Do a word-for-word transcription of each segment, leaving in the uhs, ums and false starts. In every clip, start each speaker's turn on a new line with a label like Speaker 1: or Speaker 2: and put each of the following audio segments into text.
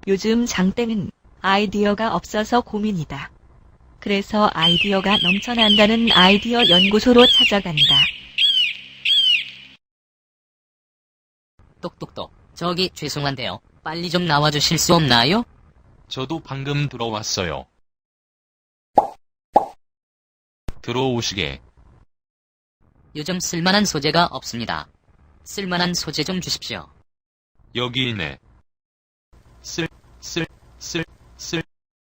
Speaker 1: 요즘 장땡은 아이디어가 없어서 고민이다. 그래서 아이디어가 넘쳐난다는 아이디어 연구소로 찾아간다.
Speaker 2: 똑똑똑. 저기 죄송한데요. 빨리 좀 나와주실 수 없나요?
Speaker 3: 저도 방금 들어왔어요. 들어오시게.
Speaker 2: 요즘 쓸만한 소재가 없습니다. 쓸만한 소재 좀 주십시오.
Speaker 3: 여기 있네. 쓸, 쓸, 쓸, 쓸.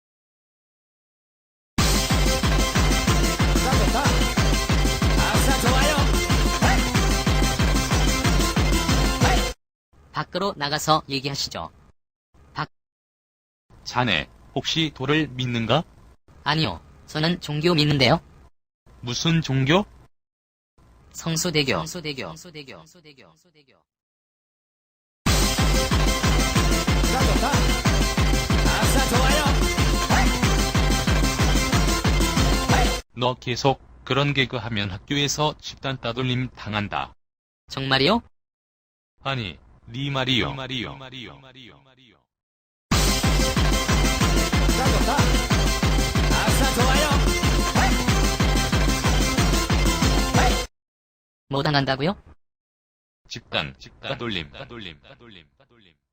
Speaker 2: 밖으로 나가서 얘기하시죠.
Speaker 3: 자네, 혹시 돌을 믿는가?
Speaker 2: 아니요. 저는 종교 믿는데요.
Speaker 3: 무슨 종교?
Speaker 2: 성수대교. 성수대교. 성수대교. 성수대교. 성수대교.
Speaker 3: 너 계속 그런 개그 하면 학교에서 집단 따돌림 당한다.
Speaker 2: 정말이요?
Speaker 3: 아니, 네 말이요. 말이요. 말이요.
Speaker 2: 뭐 당한다고요?
Speaker 3: 집단, 집단 따돌림, 따돌림, 따돌림, 따돌림.